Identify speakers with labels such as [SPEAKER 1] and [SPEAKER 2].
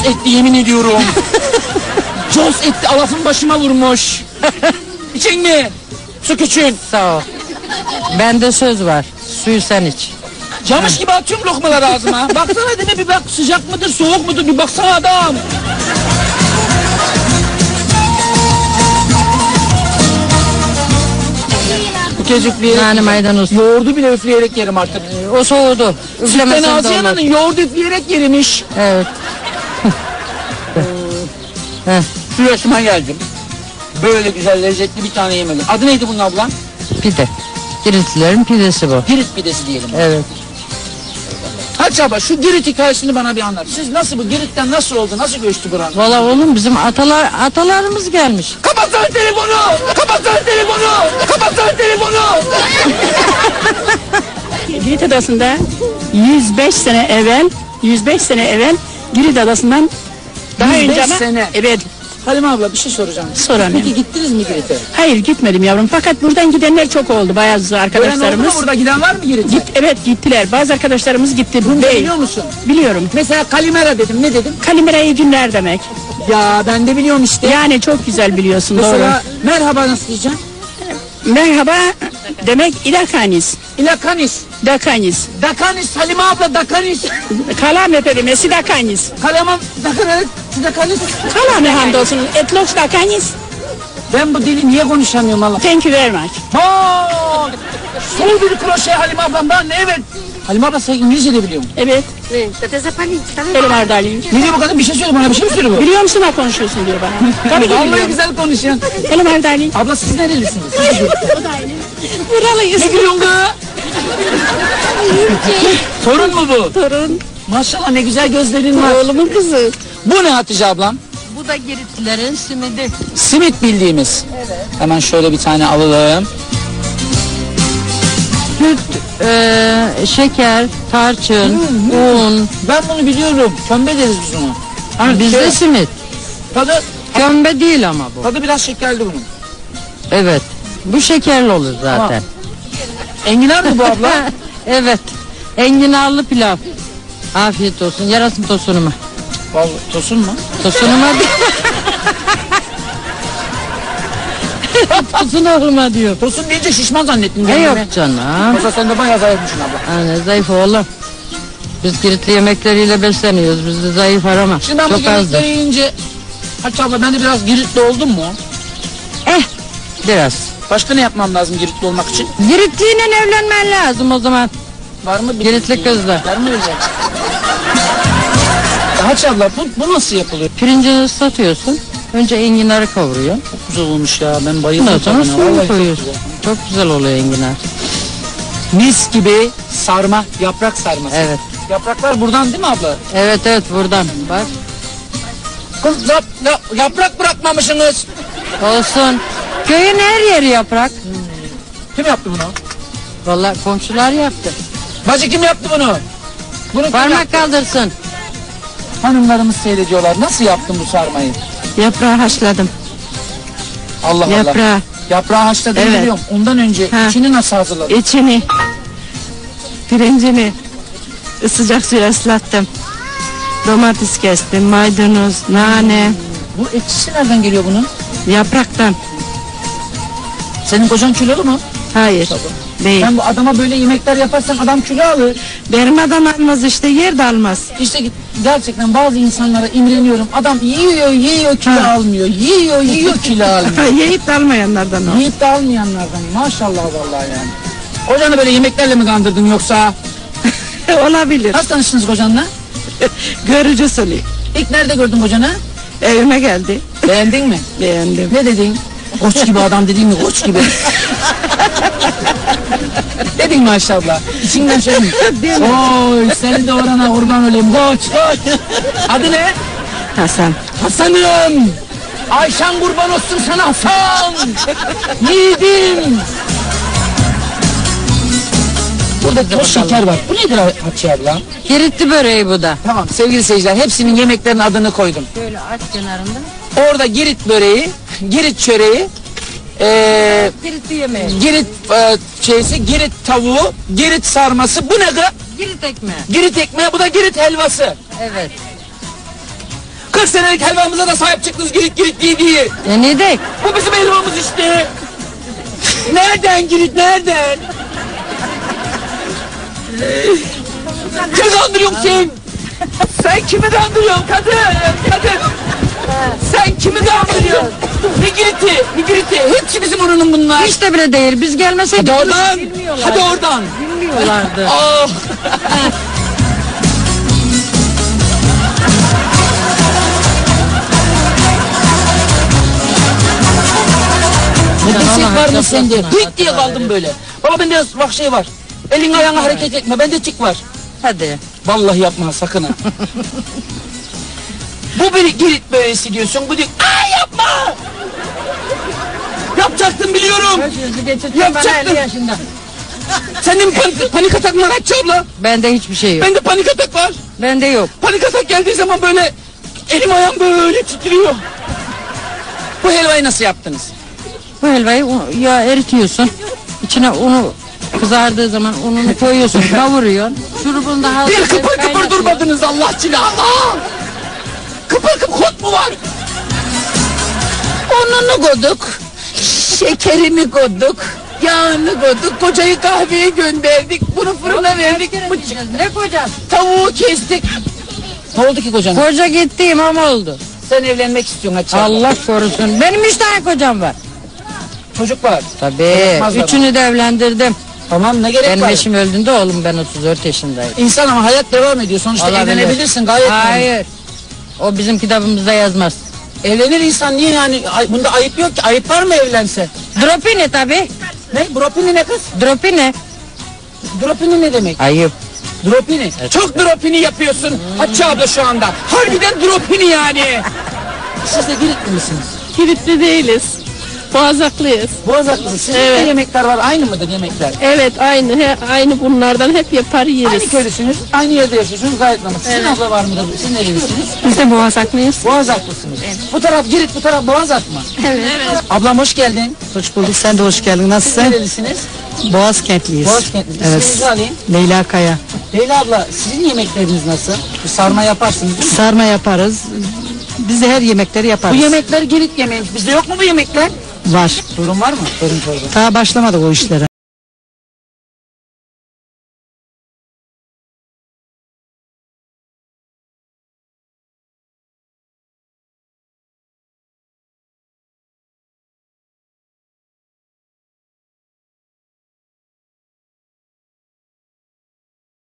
[SPEAKER 1] etti yemin ediyorum. Cos etti, alafın başıma vurmuş. İçin mi? Su küçüğün.
[SPEAKER 2] Sağ ol. Bende söz var. Suyu sen iç.
[SPEAKER 1] Camış gibi atıyorum lokmaları ağzıma. Baksana deme bir bak, sıcak mıdır soğuk mudur bir baksana adam. Bu kez üfleyerek
[SPEAKER 2] Nane maydanoz.
[SPEAKER 1] yoğurdu bile üfleyerek yerim artık.
[SPEAKER 2] O soğudu.
[SPEAKER 1] Sütten
[SPEAKER 2] Üflemesen de
[SPEAKER 1] Asiye
[SPEAKER 2] olmaz.
[SPEAKER 1] Ana'nın yoğurdu üfleyerek yerimiş.
[SPEAKER 2] Evet. Heh,
[SPEAKER 1] Şu yaşıma geldim. Böyle güzel lezzetli bir tane yemedim. Adı neydi bunun ablam?
[SPEAKER 2] pide. Giritlilerin pidesi bu.
[SPEAKER 1] Girit pidesi diyelim.
[SPEAKER 2] Evet.
[SPEAKER 1] Hadi abla şu Girit hikayesini bana bir anlat. Siz nasıl bu Girit'ten nasıl oldu? Nasıl göçtü buranın?
[SPEAKER 2] Valla oğlum bizim atalarımız gelmiş.
[SPEAKER 1] Kapatsana telefonu! Kapatsana telefonu! Kapatsana telefonu!
[SPEAKER 3] Girit Adası'nda 105 sene evvel Girit Adası'ndan daha
[SPEAKER 1] 105
[SPEAKER 3] önce ama
[SPEAKER 1] sene.
[SPEAKER 3] evet.
[SPEAKER 1] Halime abla bir şey soracağım.
[SPEAKER 3] Soramıyorum.
[SPEAKER 1] Peki gittiniz mi Girit'e?
[SPEAKER 3] Hayır gitmedim yavrum fakat buradan gidenler çok oldu bazı
[SPEAKER 1] Gören oldu
[SPEAKER 3] arkadaşlarımız.
[SPEAKER 1] mu burada giden var mı Girit'e?
[SPEAKER 3] Evet gittiler. Bazı arkadaşlarımız gitti.
[SPEAKER 1] Bunu biliyor musun?
[SPEAKER 3] Biliyorum.
[SPEAKER 1] Mesela Kalimera dedim. Ne dedim?
[SPEAKER 3] Kalimera iyi günler demek.
[SPEAKER 1] Ya ben de biliyorum işte.
[SPEAKER 3] Yani çok güzel biliyorsun
[SPEAKER 1] Mesela merhaba nasıl diyeceğim?
[SPEAKER 3] doğru. Merhaba demek idakanis.
[SPEAKER 1] İlakanis.
[SPEAKER 3] Dakanis.
[SPEAKER 1] Dakanis Halime abla Dakanis.
[SPEAKER 3] Kalam efendim dakanis.
[SPEAKER 1] Kalaman Dakanis. Dakanis.
[SPEAKER 3] Kalam hamdolsun. Etloks dakanis.
[SPEAKER 1] Ben bu dili niye konuşamıyorum Allah?
[SPEAKER 3] Thank you very much.
[SPEAKER 1] Haa! Sol bir kroşe Halime ablam ben evet. Halime abla sen İngilizce de biliyor musun?
[SPEAKER 3] Evet. Elim ardalıyım.
[SPEAKER 1] Ne diyor bu kadın bir şey söyle bana bir şey mi söyle bu?
[SPEAKER 3] Biliyor musun ha konuşuyorsun diyor bana. Tabii ki
[SPEAKER 1] Vallahi
[SPEAKER 3] biliyorum.
[SPEAKER 1] güzel konuşuyorsun.
[SPEAKER 3] Elim ardalıyım.
[SPEAKER 1] Abla siz nerelisiniz?
[SPEAKER 3] Buralıyız.
[SPEAKER 1] Ne gülüyorsun kız? Torun mu bu?
[SPEAKER 3] Torun.
[SPEAKER 1] Maşallah ne güzel gözlerin var.
[SPEAKER 3] Oğlumun kızı.
[SPEAKER 1] Bu ne Hatice ablam?
[SPEAKER 2] Bu da Giritlilerin simidi.
[SPEAKER 1] Simit bildiğimiz. Evet. Hemen şöyle bir tane alalım.
[SPEAKER 2] Süt, şeker, tarçın, un.
[SPEAKER 1] Ben bunu biliyorum. Kömbe deriz biz ona. Hani
[SPEAKER 2] Bizde simit.
[SPEAKER 1] tadı,
[SPEAKER 2] Kömbe değil ama bu.
[SPEAKER 1] tadı biraz şekerli bunun.
[SPEAKER 2] Evet. Bu şekerli olur zaten.
[SPEAKER 1] Enginar mı bu abla?
[SPEAKER 2] Evet. Enginarlı pilav. Afiyet olsun. Yarasın tosunuma.
[SPEAKER 1] Vallahi tosun mu?
[SPEAKER 2] Tosunuma değil. Tosunuma diyor.
[SPEAKER 1] Tosun deyince şişman zannettim.
[SPEAKER 2] Ne yok
[SPEAKER 1] kendimi.
[SPEAKER 2] canım.
[SPEAKER 1] Yoksa sen de bayağı zayıfmışsın abla.
[SPEAKER 2] Yani zayıf oğlum. Biz Giritli yemekleriyle besleniyoruz. Bizde zayıf arama.
[SPEAKER 1] Şimdi ben bu
[SPEAKER 2] Çok azdır.
[SPEAKER 1] Girit'leri yiyince... Hatice abla ben de biraz Giritli oldum mu?
[SPEAKER 2] Biraz.
[SPEAKER 1] Başka ne yapmam lazım Giritli olmak için?
[SPEAKER 2] Giritliyle evlenmen lazım o zaman.
[SPEAKER 1] Var mı? bir-
[SPEAKER 2] Giritli kızla.
[SPEAKER 1] Var mı öyle? Hatice abla bu nasıl yapılıyor?
[SPEAKER 2] Pirincini ıslatıyorsun. Önce enginarı kavuruyor.
[SPEAKER 1] Çok güzel olmuş ya ben
[SPEAKER 2] Ondan
[SPEAKER 1] bayıldım.
[SPEAKER 2] sonra
[SPEAKER 1] tadına. Vallahi
[SPEAKER 2] suyunu
[SPEAKER 1] çok
[SPEAKER 2] koyuyorsun.
[SPEAKER 1] güzel.
[SPEAKER 2] Çok güzel oluyor enginar.
[SPEAKER 1] Mis gibi sarma, yaprak sarması.
[SPEAKER 2] Evet.
[SPEAKER 1] Yapraklar buradan değil mi abla?
[SPEAKER 2] Evet buradan. Bak.
[SPEAKER 1] Kız yaprak bırakmamışsınız.
[SPEAKER 2] Olsun. Köyün her yeri yaprak.
[SPEAKER 1] Kim yaptı bunu?
[SPEAKER 2] Vallahi komşular yaptı.
[SPEAKER 1] Bacı kim yaptı bunu? Bunu kim
[SPEAKER 2] Parmak
[SPEAKER 1] yaptı?
[SPEAKER 2] kaldırsın.
[SPEAKER 1] Hanımlarımız seyrediyorlar. Nasıl yaptın bu sarmayı?
[SPEAKER 3] Yaprağı haşladım.
[SPEAKER 1] Allah Allah.
[SPEAKER 3] Yaprağı.
[SPEAKER 1] Yaprağı haşladığını
[SPEAKER 3] Evet.
[SPEAKER 1] biliyorum. Ondan önce
[SPEAKER 3] Ha.
[SPEAKER 1] içini nasıl hazırladın?
[SPEAKER 3] İçini. Pirincini. Sıcak suya ıslattım. Domates kestim. Maydanoz, nane.
[SPEAKER 1] Bu ekşisi nereden geliyor bunun?
[SPEAKER 3] Yapraktan.
[SPEAKER 1] Senin kocan kilolu mu?
[SPEAKER 3] Hayır. Değil.
[SPEAKER 1] Ben bu adama böyle yemekler yaparsan adam kilo alır.
[SPEAKER 3] Benim adam almaz işte yer de almaz.
[SPEAKER 1] İşte gerçekten bazı insanlara imreniyorum. Adam yiyor kilo
[SPEAKER 3] Ha.
[SPEAKER 1] almıyor. Yiyor kilo almıyor.
[SPEAKER 3] Yiyip de almayanlardan o.
[SPEAKER 1] Yiyip de almayanlardan. Maşallah vallahi yani. Kocanı böyle yemeklerle mi kandırdın yoksa?
[SPEAKER 3] Olabilir.
[SPEAKER 1] Nasıl tanıştınız kocanla?
[SPEAKER 3] Görücü usulü.
[SPEAKER 1] İlk nerede gördün kocanı?
[SPEAKER 3] Evime geldi.
[SPEAKER 1] Beğendin mi?
[SPEAKER 3] Beğendim.
[SPEAKER 1] Ne dedin? Koç gibi adam dedin mi? Koç gibi. Dedin maşallah. İçinden şey mi? Oy seni de orana kurban olayım. Koç. Adı ne?
[SPEAKER 3] Hasan.
[SPEAKER 1] Hasan'ım. Ayşen kurban olsun sana Hasan. Yiğidim. Burada toz şeker var. Bu nedir Hatice abla?
[SPEAKER 2] Giritli böreği bu da.
[SPEAKER 1] Tamam sevgili seyirciler hepsinin yemeklerin adını koydum.
[SPEAKER 2] Şöyle aç kenarında.
[SPEAKER 1] Orada Girit böreği, Girit çöreği,
[SPEAKER 2] Giritli yemeği.
[SPEAKER 1] Girit Girit tavuğu, Girit sarması. Bu ne kız?
[SPEAKER 2] Girit ekmeği.
[SPEAKER 1] Girit ekmeği, bu da Girit helvası.
[SPEAKER 2] Evet.
[SPEAKER 1] 40 senelik helvamıza da sahip çıktınız Girit diye.
[SPEAKER 2] Ne dek?
[SPEAKER 1] Bu bizim helvamız işte. Nereden Girit, nereden? Kimi kandırıyorsun sen? Sen kimi kandırıyorsun kadın? Sen kimi kandırıyorsun? Ne Girit'i? Hepsi bizim oranın bunlar.
[SPEAKER 2] Hiç de bile değil. Biz gelmeseydik.
[SPEAKER 1] Hadi oradan. Hadi oradan.
[SPEAKER 2] Bilmiyorlardı.
[SPEAKER 1] Ah. Ne desek var mı sende? Hıt diye kaldım böyle. Baba bende bak şey var. Elin ayağına hareket etme. Bende tik var.
[SPEAKER 2] Hadi.
[SPEAKER 1] Vallahi yapma sakın ha. Bu bir Girit böylesi diyorsun. Bu diyor. Aa yapma. Yapacaktın biliyorum. Yapacaktın.
[SPEAKER 2] Yaşında.
[SPEAKER 1] Senin panik atak mı kaç abla?
[SPEAKER 2] Bende hiçbir şey yok.
[SPEAKER 1] Bende panik atak var.
[SPEAKER 2] Bende yok.
[SPEAKER 1] Panik atak geldiği zaman böyle elim ayağım böyle titriyor. Bu helvayı nasıl yaptınız?
[SPEAKER 2] Bu helvayı ya eritiyorsun. İçine unu kızardığı zaman ununu koyuyorsun, kavuruyorsun. Şurubunu da
[SPEAKER 1] Bir
[SPEAKER 2] hazırlayıp
[SPEAKER 1] kıpır kıpır
[SPEAKER 2] kaynatıyorsun.
[SPEAKER 1] durmadınız Allah için. Aa! Kıpır kıpır hot mu var?
[SPEAKER 4] Ununu koyduk, şekerini koyduk, yağını koyduk, kocayı kahveye gönderdik, bunu fırına verdik,
[SPEAKER 2] Ne kocan?
[SPEAKER 4] tavuğu kestik.
[SPEAKER 1] Ne oldu ki kocam?
[SPEAKER 2] Koca gitti imam oldu.
[SPEAKER 1] Sen evlenmek istiyorsun Hatice abla.
[SPEAKER 2] Allah korusun. Benim 3 tane kocam var.
[SPEAKER 1] Çocuk var.
[SPEAKER 2] Tabii.
[SPEAKER 1] Yapmazlar.
[SPEAKER 2] Üçünü de evlendirdim.
[SPEAKER 1] Tamam ne gerek
[SPEAKER 2] Benim
[SPEAKER 1] var?
[SPEAKER 2] eşim öldüğünde oğlum ben 34 yaşındayım.
[SPEAKER 1] İnsan ama hayat devam ediyor. Sonuçta
[SPEAKER 2] Olabilir.
[SPEAKER 1] evlenebilirsin gayet.
[SPEAKER 2] Hayır. O bizim kitabımızda yazmaz.
[SPEAKER 1] Evlenir insan niye yani? Bunda ayıp yok ki. Ayıp var mı evlense?
[SPEAKER 2] Dropini tabii.
[SPEAKER 1] Ne? Dropini ne kız?
[SPEAKER 2] Dropini.
[SPEAKER 1] Dropini ne demek?
[SPEAKER 2] Ayıp.
[SPEAKER 1] Dropini. Çok dropini yapıyorsun Hatice abla şu anda. Harbiden dropini yani. Siz de Giritli misiniz?
[SPEAKER 5] Giritli değiliz. Boğazaklıyız.
[SPEAKER 1] Boğazaklısınız. Sizin de
[SPEAKER 5] Evet.
[SPEAKER 1] yemekler var. Aynı mıdır yemekler?
[SPEAKER 5] Evet aynı aynı bunlardan hep yapar yeriz.
[SPEAKER 1] Aynı köylüsünüz. Aynı yerde yaşıyorsunuz. Gayet normal. Sizin abla var mıdır? Siz nerelisiniz?
[SPEAKER 5] Biz de Boğazaklıyız.
[SPEAKER 1] Boğazaklısınız. Bu taraf Girit, bu taraf Boğazak mı?
[SPEAKER 5] Evet.
[SPEAKER 1] Ablam hoş geldin.
[SPEAKER 3] Hoş bulduk, sen de hoş geldin.
[SPEAKER 1] Siz
[SPEAKER 3] Nasılsın?
[SPEAKER 1] nerelisiniz?
[SPEAKER 3] Boğaz kentliyiz.
[SPEAKER 1] Boğaz kentli.
[SPEAKER 3] Evet.
[SPEAKER 1] İsminizi alayım.
[SPEAKER 3] Leyla Kaya.
[SPEAKER 1] Leyla abla sizin yemekleriniz nasıl? Bir sarma yaparsınız değil mi?
[SPEAKER 3] Sarma yaparız. Biz de her yemekleri
[SPEAKER 1] Bu
[SPEAKER 3] yaparız.
[SPEAKER 1] yemekler Girit yemeği. Bizde yok mu bu yemekler?
[SPEAKER 3] Var.
[SPEAKER 1] Sorun var mı? Sorun.
[SPEAKER 3] Daha başlamadık o işlere.